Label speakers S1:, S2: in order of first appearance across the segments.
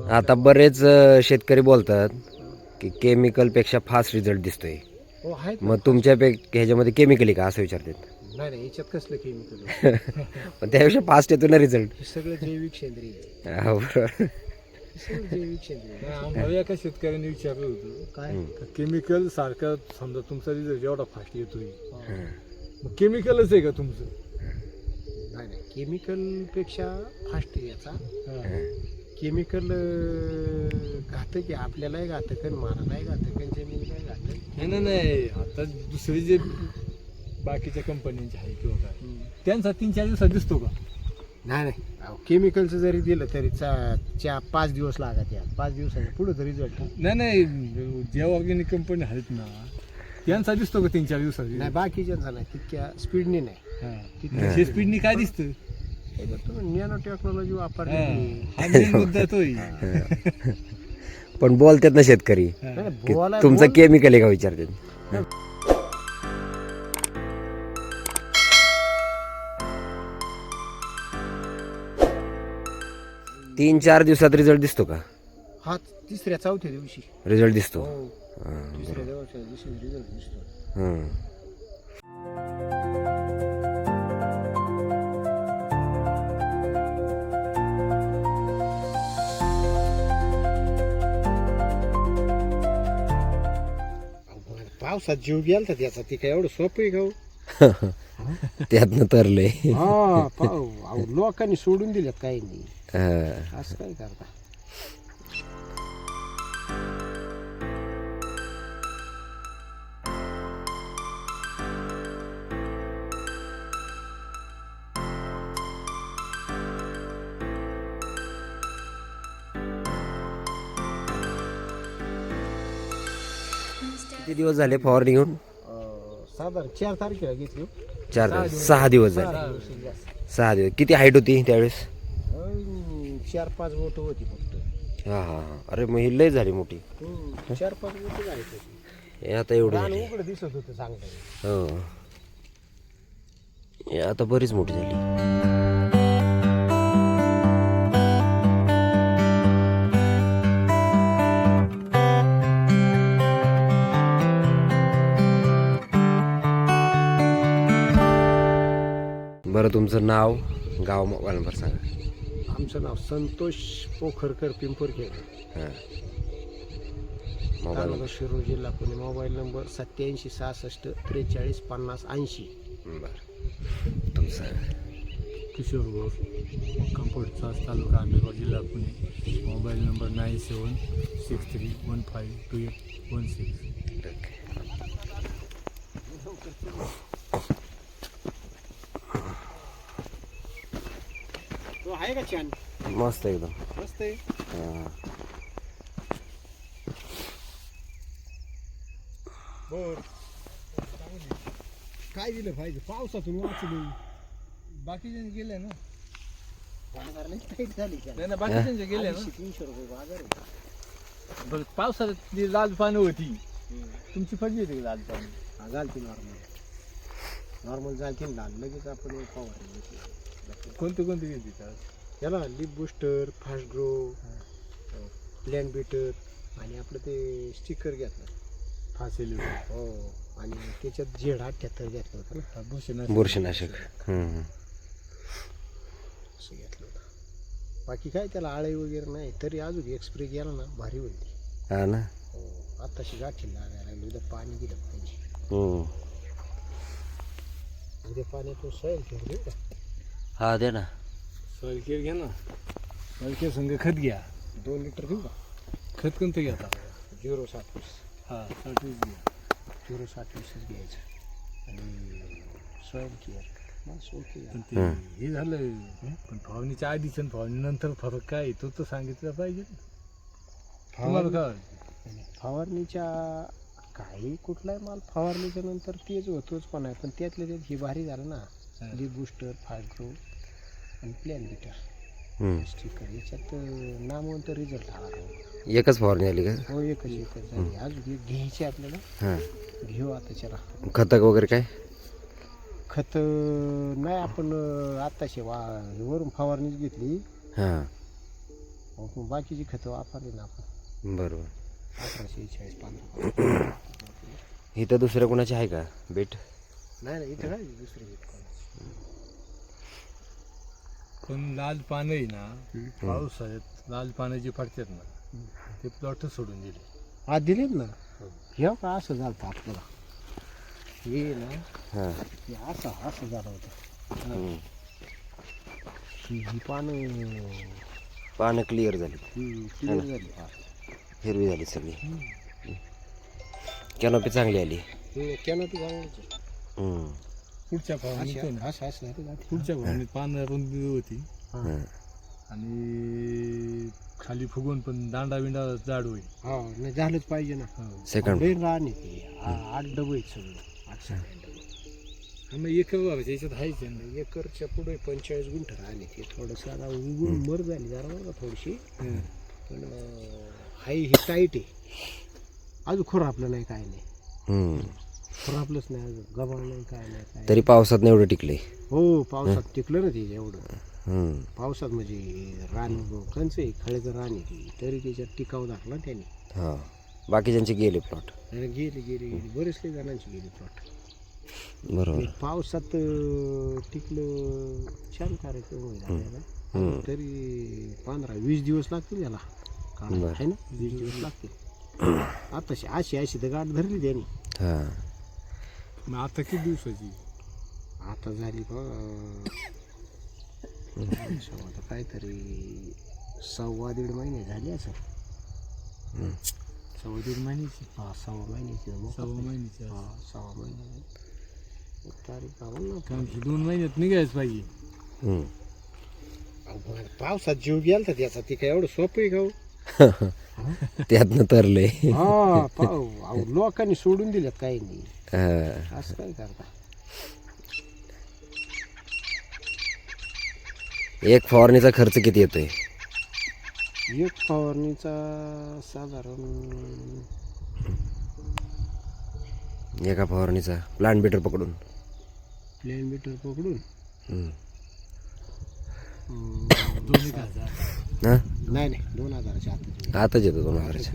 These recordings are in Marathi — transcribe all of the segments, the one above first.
S1: आता बरेच शेतकरी बोलतात की केमिकलपेक्षा फास्ट रिझल्ट दिसतोय.
S2: हो आहेत ना
S1: मग
S2: फास्ट.
S1: तुमच्या ह्याच्यामध्ये केमिकल आहे का असं विचारतात.
S2: नाही नाही, याच्यात कसलं केमिकल
S1: पण त्यापेक्षा फास्ट येतो ना रिझल्ट.
S2: हे सगळं जैविक सेंद्रिय आहे.
S1: बरोबर.
S2: हे सगळं जैविक सेंद्रिय आहे.
S3: आम्हाला एका शेतकऱ्याने विचारलं होतं
S2: काय
S3: केमिकल सारखं समजा तुमचा रिझल्ट एवढा फास्ट येतोय
S2: हा.
S3: मग केमिकलच आहे का तुमचं?
S2: नाही नाही, केमिकल पेक्षा फास्ट आहे याचा. केमिकल घातक आहे, आपल्यालाही घातक आहे, मारायलाही घातक आहे, जमिनीलाही घातक आहे.
S3: नाही आता दुसरे जे बाकीच्या कंपन्यांचे आहे किंवा काय त्यांचा 3-4 दिवसात दिसतो का?
S2: नाही नाही, केमिकलचं जरी दिलं तरी 5 दिवस लागत या 5 दिवसाच्या पुढे तरी रिझल्ट.
S3: नाही ज्या ऑर्गॅनिक कंपनी आहेत ना त्यांचा दिसतो का 3-4 दिवसात?
S2: नाही बाकीच्यांचा नाही, तितक्या स्पीडने नाही.
S3: स्पीडनी काय दिसतं?
S2: तुम्ही नॅनो टेक्नॉलॉजी वापरली.
S3: हा main मुद्दा तो आहे.
S1: पण बोलतात ना शेतकरी की तुमचं केमिकल आहे का विचारतात. 3-4 दिवसात रिझल्ट दिसतो का?
S2: हा, 3-4 दिवशी
S1: रिझल्ट दिसतो.
S2: हो,
S1: हां,
S2: 3-4 दिवशी रिझल्ट दिसतो.
S1: हां.
S2: पावसात जीव गेलता त्याचा, ती काय एवढं सोपं आहे का हो?
S1: त्यातनं तरले.
S2: हा, अहो, लोकांनी सोडून दिल्यात काही नाही,
S1: हां.
S2: असं काय करता.
S1: किती दिवस झाले फवारणी घेऊन?
S2: साधारण 4 तारखेला घेतली हो.
S1: 6 दिवस झाले.
S2: 6 दिवस जास्त.
S1: 6 दिवस. किती हाईट होती त्यावेळेस?
S2: 4-5 बोट होती फक्त.
S1: हां हां हां. अरे मग ही लय झाली मोठी.
S2: 4-5 बोट जायचं.
S1: हे आता एवढी
S2: रान
S1: झाली.
S2: उघडं दिसत होतं चांगलं.
S1: हो. हे आता बरीच मोठी झाली. बरं, तुमचं नाव, गाव, मोबाईल नंबर सांगा.
S2: आमचं नाव संतोष पोखरकर, पिंपरखेड,
S1: हां. मोबाईल
S2: तालुका शिरूर, जिल्हा पुणे. Mobile number 87 66 43 50 80.
S1: बरं, तुमचं.
S3: किशोर घोष, कंपोटचा तालुका आंबेगाव, जिल्हा पुणे. Mobile number 9763152816.
S2: तो आहे का छान?
S1: मस्त एकदम.
S2: मस्त आहे.
S1: हां.
S2: बर, काय दिलं पाहिजे पावसातून वाचलो.
S3: बाकीचे गेले ना?
S2: बाजार लई tight झाली का?
S3: नाही बाकीचे गेले ना?
S2: 300 रुपये बाजार आहे.
S3: बरं, पावसात ती लाल पानं होती, तुमची पडली होती लाल पानं?
S2: हा, झालती नॉर्मल झालती लाल. लगेच आपण फवारणी घेतली.
S3: कोणते घेतली त्याला?
S2: याला लिप बूस्टर, फास्ट ग्रो, प्लॅन बीटर आणि आपलं ते स्टिकर घेतलं.
S3: फासेल
S2: हो, आणि त्याच्यात झेड 78 घेतलं होतं ना,
S1: बुरशीनाशक.
S2: असं घेतलं होतं. बाकी काय त्याला आळी वगैरे नाही, तरी अजून एक स्प्रे गेला ना भारी होईल ती.
S1: हा ना.
S2: हो, आत्ताशी गाठी लागायला लागली. उद्या पाणी दिलं पाहिजे.
S1: हम्म.
S2: उद्या पाण्यातून सैल ठेवली का?
S1: हा, दे ना.
S3: सॉइल घ्या ना. सॉइल संग खत घ्या.
S2: 2 लिटर घेऊ का?
S3: खत कोणतं घेता?
S2: 0-27.
S3: हा 30 घ्या.
S2: 0-27 घ्यायचं आणि सॉइल केअर बस. ओके.
S3: पण ते हे झालं, पण फवारणीच्या आधीच आणि फवारणीनंतर फरक काय आहे तो तर सांगितलं पाहिजे ना. तुम्हाला काय
S2: फवारणीच्या काही कुठलाही माल फवारणीच्या नंतर तेच होतोच पण आहे, पण त्यातल्या त्यात हे भारी झालं ना. लिप बूस्टर, फास्ट ग्रो आणि प्लॅन बीटर स्टिकर, याच्यात नामवंत रिझल्ट आला.
S1: एकच फवारणी आली का?
S2: हो, एकच झाली. अजून एक घ्यायची आपल्याला.
S1: हां.
S2: घेऊ आता चला.
S1: खतं वगैरे काय?
S2: खत नाही, आपण आत्ताशी वरून फवारणीच घेतली.
S1: हां.
S2: मग बाकीची खतं वापरली ना आपण
S1: बरोबर.
S2: 1840 15.
S1: इथं दुसऱ्या कोणाचे आहे का बीट?
S2: नाही नाही इथं काय दुसरी बीट कोणाची.
S3: पण लाल पानं आहे ना पावसाळ्यात लाल पानं जी पडतात ना ते प्लॉट सोडून दिले.
S2: हा दिलेत ना. हे का असं झालं आपल्याला हे ना
S1: हां.
S2: हे असं झालं होतं.
S1: हम्म.
S2: ही पानं
S1: पानं क्लिअर झाली,
S2: क्लिअर झाली फार.
S1: हिरवी झाली सगळी. कॅनोपी चांगली आली.
S2: कॅनोपी चांगलीच आहे.
S1: हम्म.
S3: पुढच्या फवारणीत आहे ना,
S2: असं झालं जाते.
S3: पुढच्या फवारणीत पानं रुंदी होती
S1: हां.
S3: आणि खाली फुगून पण दांडा बिंडा जाड होईल.
S2: हा नाही झालंच पाहिजे ना.
S1: सेकंड.
S2: लई रान आहे ते. 8 डबे आहेत सगळे. 8 7 डबे.
S3: मग एकर व्हायचं याच्यात आहेच आहे ना.
S2: एकरच्या पुढे 45 गुंठ रान आहे ते. थोडंसं आता उगून मर झाली जरा बरं का थोडीशी. पण हाई ही टाईट आहे. अजून खुरापलं नाही काय नाही.
S1: हम्म.
S2: खुरापलंच नाही अजून. गबाळ नाही काय नाही काय.
S1: तरी पावसात नाही एवढं टिकले.
S2: हो पावसात टिकलं ना ते एवढं.
S1: हम्म.
S2: पावसात म्हणजे रान कंच आहे खळेचं रान आहे ते. तरी त्याच्यात टिकाव धरला त्याने.
S1: हां. बाकीच्यांचे गेले प्लॉट.
S2: आणि गेली बरेचसे जणांची गेली प्लॉट.
S1: बरोबर.
S2: पावसात टिकलं छान कार्यक्रम होईल आपल्याला. तरी 15-20 दिवस लागतील याला काढायला, आहे ना. 20 दिवस लागतील. आताशी अशी तर गाठ धरली त्यांनी.
S1: हां.
S3: मग आता किती दिवसाची?
S2: आता झाली आता काहीतरी 1.25-1.5 महिने झाले असं.
S3: 1.25 महिन्याची.
S2: हा 1.25 महिन्याची.
S3: 1.25 महिन्याची.
S2: हा 1.25 महिने. तारीख आवड ना.
S3: कारण की 2 महिन्यात निघायच पाहिजे.
S1: हम्म.
S2: पावसात जीव गेला त्याचा. ते काय एवढं सोपं आहे का हो?
S1: त्यातनं तरले.
S2: हा अहो लोकांनी सोडून दिल्यात काही नाही.
S1: हां.
S2: असं काय करता.
S1: एक फवारणीचा खर्च किती येतोय?
S2: एक फवारणीचा साधारण
S1: एका फवारणीचा प्लांट बीटर पकडून
S2: प्लेन मीटर पकडून
S1: हम्म.
S3: 2,000.
S1: हां.
S2: नाही 2000च्या आत.
S1: आताच येतो 2000च्या.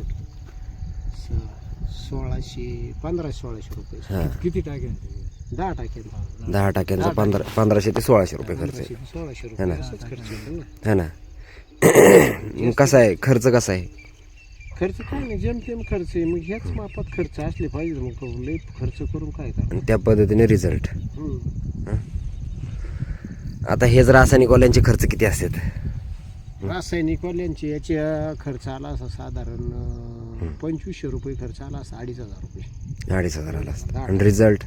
S2: 1500-1600 रुपये.
S1: हां.
S3: किती टाक्यांचे?
S2: 10 टाक्यांचा.
S1: 10 टाक्यांचा 1500 ते 1600 रुपये खर्च आहे.
S2: 1600
S1: है
S2: रुपये
S1: ना.
S2: असंच खर्च येतो ना.
S1: है ना. मग कसा आहे खर्च, कसा आहे?
S2: खर्च काय नाही जेमतेम खर्च आहे. मग ह्याच मापात खर्च असले पाहिजे. मग लई खर्च करून काय करा.
S1: आणि त्या पद्धतीने रिझल्ट.
S2: हम्म.
S1: आता हेच रासायनिकवाल्यांचे खर्च किती असतात?
S2: रासायनिकवाल्यांचे याच्या खर्च आला असा साधारण 2500 रुपये खर्च आला असा. 2500 रुपये.
S1: 2500 आला असतं. आणि रिझल्ट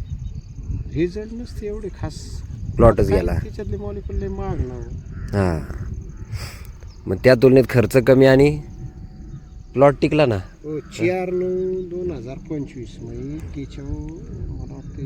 S2: नसते एवढे खास.
S1: प्लॉटच
S2: काय
S1: गेला.
S2: त्याच्यातले मॉलिक्युल लय महाग ना.
S1: हां. मग त्या तुलनेत खर्च कमी आणि प्लॉट टिकला ना.
S2: 4/9/2025 म्हणजे त्याच्यावर मला वाटते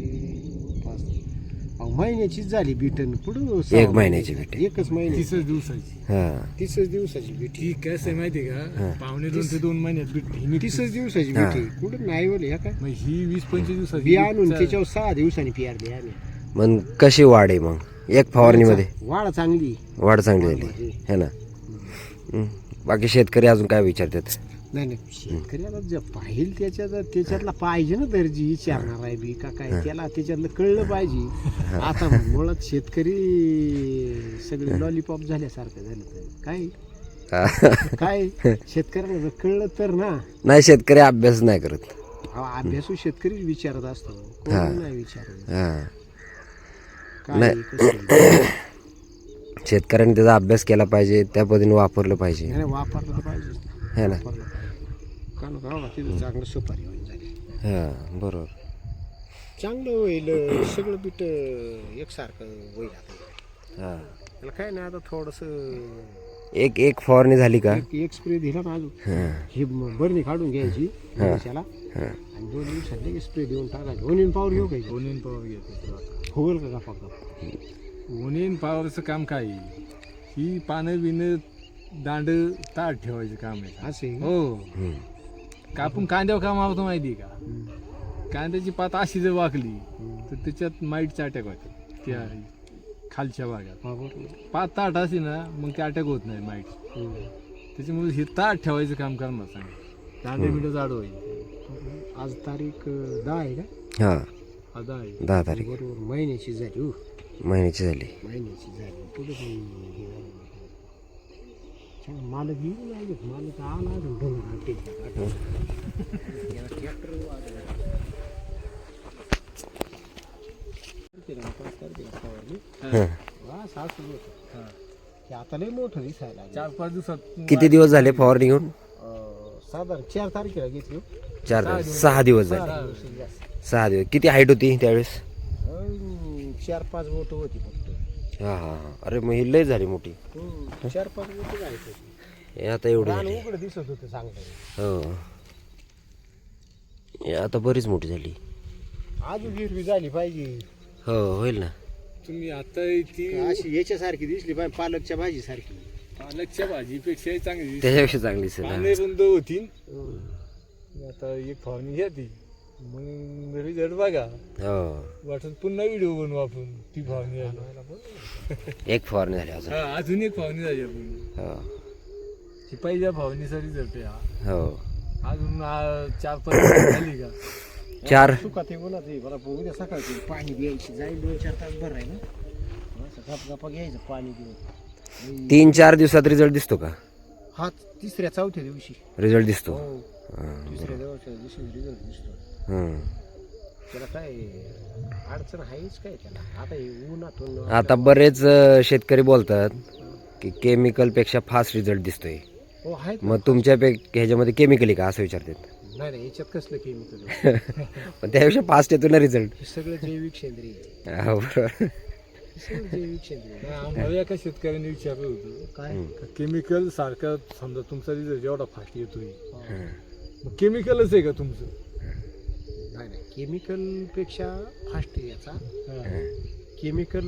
S2: महिन्याचीच झाली बिटन. पुढं
S1: 1 महिन्याची बीट.
S2: एकच महिन्याची.
S3: 30 दिवसाची.
S1: हां.
S2: 30 दिवसाची बीट.
S3: ती कसं आहे माहिती आहे का? 1.5 ते 2 महिन्यात बीट ही
S2: 30 दिवसाची बीट. कुठं नाही बोल ह्या काय
S3: मग ही 20-25 दिवसाची
S2: बी आणून
S3: बीट
S2: त्याच्यावर 6 दिवसांनी पियारली आम्ही.
S1: मग कशी वाढ आहे मग एक फवारणीमध्ये?
S2: वाढ चांगली.
S1: वाढ चांगली झाली है ना. बाकी शेतकरी अजून काय विचारतात?
S2: नाही शेतकरी आता जे पाहिल त्याच्यातला पाहिजे ना दर्जी विचारणार आहे बी का काय. त्याला त्याच्यातलं कळलं पाहिजे. आता मुळात शेतकरी सगळे लॉलीपॉप झाल्यासारखं झालं. काय शेतकऱ्यांना जर कळलं तर ना.
S1: नाही, शेतकरी अभ्यास नाही करत.
S2: हा अभ्यासू शेतकरीच विचारत असतो. कोणी नाही विचारत.
S1: हां.
S2: काय कसं
S1: शेतकऱ्यांनी त्याचा अभ्यास केला पाहिजे, त्या पद्धतीने वापरलं पाहिजे.
S2: नाही वापरलं तर पाहिजेच ना.
S1: है ना.
S2: कारण का तिथं चांगलं सुपारी होईल झाली.
S1: हां बरोबर.
S2: चांगलं होईल सगळं बीट एकसारखं होईल. आता
S1: हां.
S2: त्याला काय नाही आता थोडंसं
S1: एक फवारणी झाली का
S2: एक स्प्रे दिला ना अजून.
S1: हां.
S2: ही बरणी काढून घ्यायची त्याला आणि 2 दिवसात लगेच स्प्रे देऊन टाकायची. ओनियन पॉवर घेऊ काय?
S3: ओनियन पॉवर घेते.
S2: होईल का फक्त?
S3: ओनियन पॉवरचं काम काय आहे? ही पानं बिनं दांड ताट ठेवायचं काम आहे.
S2: असे
S3: हो. कापून कांद्यावर काम आवतं माहिती आहे का? कांद्याची पात अशी जर वाकली तर त्याच्यात माईटचा अटॅक होतो. त्या खालच्या भागात
S2: बरोबर.
S3: 5 ताट असे ना मग ते अटॅक होत नाही माईट. त्याच्यामुळे हे ताट ठेवायचं काम करणार सांगा. दांडे मिठं जाड होईल.
S2: आज तारीख 10 आहे का?
S1: हां
S3: आता आहे
S1: 10 तारीख
S2: बरोबर महिन्याची झाली हो.
S1: महिन्याची झाली.
S2: महिन्याची झाली पुढे मालक येऊन लागेल. मालक आला अजून आता लय मोठं दिसायला लागलं.
S3: 4-5 दिवसात
S1: किती दिवस झाले फवारणी घेऊन?
S2: साधारण 4 तारखेला घेतली.
S1: 6 दिवस झाले. 6 दिवस. किती हाईट होती त्यावेळेस?
S2: 4-5 बोट होती फक्त.
S1: हां हां हां. अरे मग ही लय झाली मोठी.
S2: 4-5 बोट जायचं.
S1: हे आता एवढी
S2: रान
S1: झाली.
S2: उघडं दिसत होतं चांगलं.
S1: हो हे आता बरीच मोठी झाली.
S2: अजून हिरवी झाली पाहिजे.
S1: हो होईल ना.
S3: तुम्ही आता ती
S2: अशी याच्यासारखी दिसली पाहिजे, पालकच्या भाजी सारखी.
S3: पालकच्या भाजीपेक्षा चांगली दिसते.
S1: त्याच्यापेक्षा चांगली दिसेल
S3: पाने
S1: ना.
S3: रुंद होती. आता एक फवारणी घ्या ती मग रिझल्ट बघा.
S1: हो
S3: वाटत पुन्हा व्हिडिओ बनवू आपण ती फवारणी झाली.
S1: एक फवारणी झाली अजून.
S3: हा अजून एक फवारणी झाली आपण.
S1: हो
S3: ही पहिल्या फवारणीचा रिझल्ट आहे हा.
S1: हो
S3: अजून 4-5 झाली का?
S1: 4
S2: सुकात हे बोला ते मला उद्या सकाळची पाणी द्यायची जाईल. 2-4 तास भर आहे ना. गपगपा घ्यायचं पाणी देऊन.
S1: 3-4 दिवसात रिझल्ट दिसतो का?
S2: हा 3-4 दिवशी
S1: रिझल्ट दिसतो.
S2: हो.
S1: हां,
S2: 3-4 दिवशी रिझल्ट दिसतो.
S1: हं.
S2: त्याला काय अडचण आहेच काय त्याला. आता हे उन्हातून
S1: आता बरेच शेतकरी बोलतात की केमिकलपेक्षा फास्ट रिझल्ट दिसतोय.
S2: हो आहेत.
S1: मग तुमच्या ह्याच्यामध्ये केमिकल आहे का असं विचारतात.
S2: नाही नाही याच्यात कसलं केमिकल.
S1: पण त्यापेक्षा फास्ट येतो ना रिझल्ट.
S2: हे सगळं जैविक सेंद्रिय आहे.
S1: हो बरोबर.
S2: हे सगळं जैविक सेंद्रिय आहे.
S3: आम्हाला एका शेतकऱ्याने विचारलं होतं
S2: काय
S3: केमिकल सारखा समजा तुमचा रिझल्ट एवढा फास्ट येतोय
S1: हं.
S3: मग केमिकलच आहे का तुमचं?
S2: नाही नाही केमिकल पेक्षा फास्ट आहे याचा. केमिकल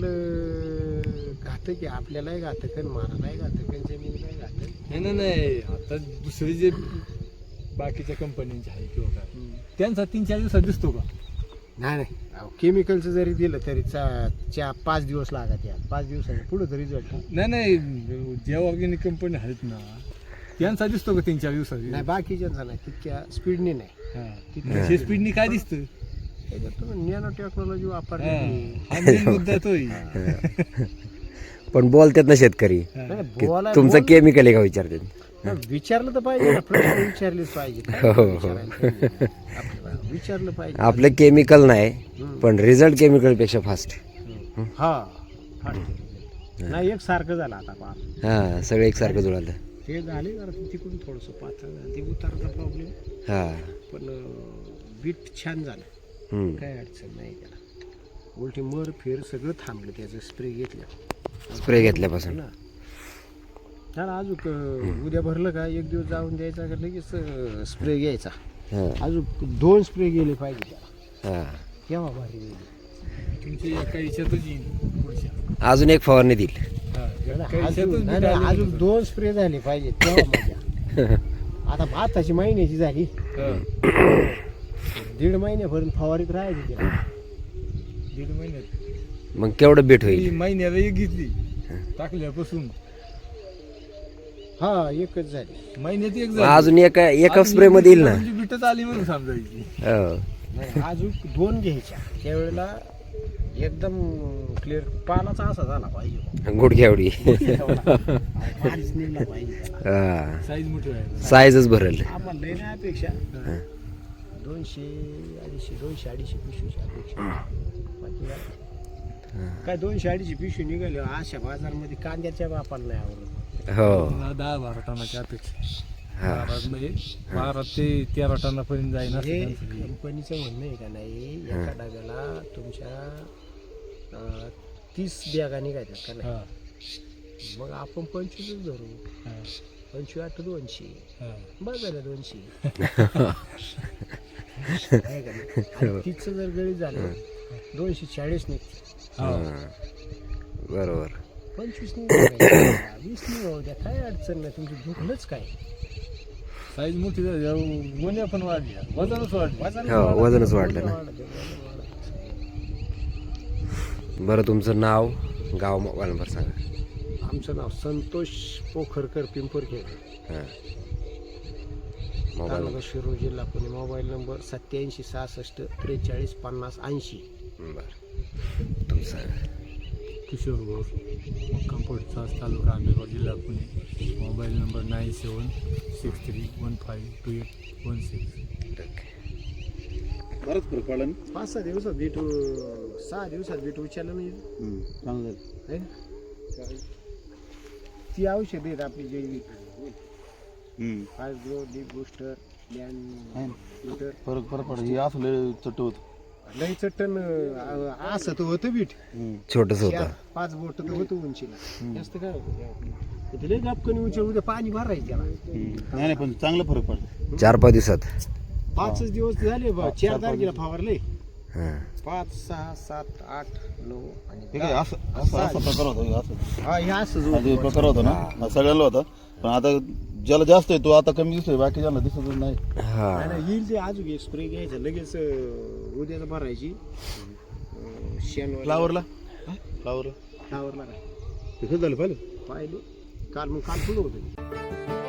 S2: घातक आहे. आपल्यालाही घातक आहे, मारायलाही घातक आहे, जमिनीलाही घातक.
S3: नाही आता दुसरे जे बाकीच्या कंपन्यांचे आहे किंवा काय त्यांचा 3-4 दिवसात दिसतो का?
S2: नाही नाही केमिकलचं जरी दिलं तरी 5 दिवस लागत यार. 5 दिवसांनी पुढे तरी रिझल्ट.
S3: नाही ज्या ऑर्गॅनिक कंपनी आहेत ना त्यांचा दिसतो का 3-4 दिवसात?
S2: नाही बाकीच्यांचा नाही तितक्या स्पीडने नाही.
S3: हे स्पीडनी काय दिसतं?
S2: त्याच्यात तुम्ही नॅनो टेक्नॉलॉजी वापरली.
S3: हा main मुद्दा तो आहे.
S1: पण बोलतात ना शेतकरी की
S2: बोलाय
S1: तुमचं केमिकल आहे का विचारतात.
S2: विचारलं तर पाहिजे ना. प्रश्न विचारलेच पाहिजे. काय
S1: हो,
S2: विचारायला पाहिजे? आपल्याला विचारलं पाहिजे.
S1: आपलं केमिकल नाही पण रिझल्ट केमिकलपेक्षा फास्ट.
S2: हा फास्ट नाही एक सारखं झालं आता पार.
S1: हां सगळं एकसारखं जुळालं.
S2: ते झाले जरा तिकडून थोडंसं पातळ झालं. ते उतारचा प्रॉब्लेम.
S1: हां
S2: पण बीट छान झालं.
S1: हं.
S2: काय अडचण नाही त्याला. उलटी मर फेर सगळं थांबलं त्याचं स्प्रे घेतलं
S1: स्प्रे घेतल्यापासून.
S2: ना. त्याला अजून उद्या भरलं का 1 दिवस जाऊन द्यायचा का लगेच स्प्रे घ्यायचा.
S1: हां
S2: अजून 2 स्प्रे गेले पाहिजे त्याला.
S1: हां
S2: केव्हा भारी होईल.
S3: तुमच्या एका याच्यातच येईल पुढच्या.
S1: अजून एक फवारणी देईल.
S2: अजून 2 स्प्रे झाले पाहिजे तेव्हा मजा. आता भाताची महिन्याची झाली. 1.5 महिन्यापर्यंत फवारीत राहायची त्याला.
S3: 1.5 महिन्यात
S1: मग केवढं बीट होईल?
S3: महिन्याला एक घेतली टाकल्यापासून
S2: हा एकच झाली.
S3: महिन्यात एक
S1: मग अजून एका स्प्रे मध्ये येईल ना.
S3: बिटच आली म्हणून समजायची.
S1: हो
S2: नाही, अजून 2 घ्यायच्या त्यावेळेला एकदम क्लिअर पालाचा असा झाला पाहिजे.
S1: गुडघ्या एवढी.
S2: भारीच निघला पाहिजे त्याला.
S1: हां
S3: साईज मोठी आहे.
S1: साईजच भरल.
S2: आम्हाला लय नाही अपेक्षा. 200-250 पिशवीची अपेक्षा. बाकी काय 200-250 पिशवी निघाले अशा बाजारमध्ये कांद्याच्या बापाला नाही आवडत.
S1: हो
S3: 10-12 टनाच्या अपेक्षा.
S1: हां
S3: 12 ते 13 टनापर्यंत जाईल.
S2: हे कंपनीचं म्हणणं आहे का नाही एका डब्याला तुमच्या 30 बॅगा निघायच्या का नाही. मग आपण 25 धरू. 25-8-200 बस झालं 200. आहे का नाही. 30 जर गळी झालं 240 निघते.
S1: बरोबर.
S2: 25 निघाल 20 निघाव द्या काय अडचण नाही. तुमची दुखलंच काय.
S3: साईज मोठी झाली गोण्या पण वाढल्या वजनच वाढलं.
S1: हो वजनच वाढलं ना. बरं तुमचं नाव गाव मोबाईल नंबर सांगा.
S2: आमचं नाव संतोष पोखरकर पिंपरखेड,
S1: हां मोबाईल
S2: तालुका शिरूर, जिल्हा पुणे. Mobile number 87 66 43 50 80.
S1: बरं तुमचं सांगा.
S3: किशोर घोष, कंपोटचा तालुका आंबेगाव, जिल्हा पुणे. Mobile number 9763152816.
S4: बरंच फरक पडला ना.
S2: 5-6 दिवसात भेटू, 6 दिवसात भेटू विचारलं नाही
S4: चांगलं
S2: है ना? ती औषध आहेत आपली जैविक, फायब्रो, डीप बूस्टर, प्लॅन
S4: फरक पडला. हे असं लय चट्ट होत.
S2: लई चट्टन असं तर होतं बीट,
S1: छोटंच होतं.
S2: 5 बोट तर होतं उंचीला, जास्त काय होतं ते लई गापकनी उंची, उद्या पाणी भरायचं त्याला.
S4: नाही पण चांगला फरक पडला.
S1: 4-5 दिवसात.
S2: 5 दिवस झाले बा, 4 तारखेला फवारले.
S1: हां
S2: 5, 6, 7, 8, 9 आणि
S4: हे काय असं असं असा प्रकार होता. हे असं
S2: हा हे असंच
S4: हा
S2: होतं.
S4: जो प्रकार होता ना, हा सगळ्यांना होता. पण आता ज्याला जास्त आहे तो आता कमी दिसतोय, बाकी ज्यांना दिसतच नाही.
S1: हां
S2: नाही, नाही, येईल ते अजून एक स्प्रे घ्यायचा लगेच, उद्याला भरायची. शेण
S4: फ्लावरला फ्लावर
S2: फ्लावरला काय
S4: ते झालं पाहिलं.
S2: पाहिले काल, मग काल फुलं होतं.